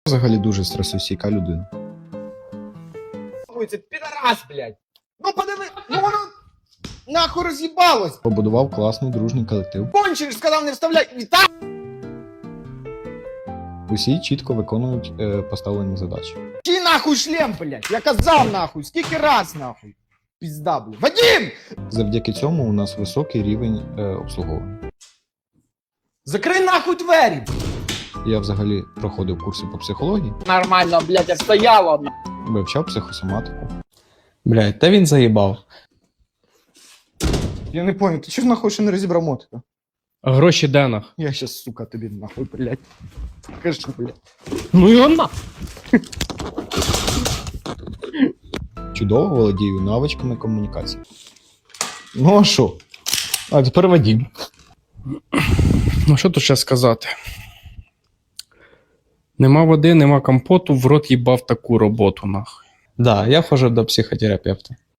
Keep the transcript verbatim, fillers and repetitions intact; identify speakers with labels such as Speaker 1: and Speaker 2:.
Speaker 1: Взагалі дуже стресостійка людина.
Speaker 2: Ой, це підарас, блядь! Ну подиви, ну воно нахуй роз'їбалось!
Speaker 1: Побудував класний дружній колектив.
Speaker 2: Кончиш, сказав не вставляй! І так!
Speaker 1: Усі чітко виконують е, поставлені задачі.
Speaker 2: Ті нахуй шлем, блядь! Я казав нахуй! Скільки раз нахуй! Пізда, блядь! Вадим!
Speaker 1: Завдяки цьому у нас високий рівень е, обслуговування.
Speaker 2: Закрий нахуй двері!
Speaker 1: Я взагалі проходив курси по психології,
Speaker 2: Нормально, блядь, я стояла!
Speaker 1: вивчав психосоматику.
Speaker 3: Блядь, та він заїбав.
Speaker 2: Я не понял, ти чого нахуй ще не розібрав мотика?
Speaker 3: А гроші де нах?
Speaker 2: Я щас, сука, тобі нахуй, блядь. Кажи, блядь.
Speaker 3: Ну і он нах.
Speaker 1: Чудово володію навичками комунікації.
Speaker 3: Ну а що? А тепер Вадим. Ну що тут ще сказати? Нема води, нема компоту, в рот їбав таку роботу нахуй. Да, я ходжу до психотерапевта.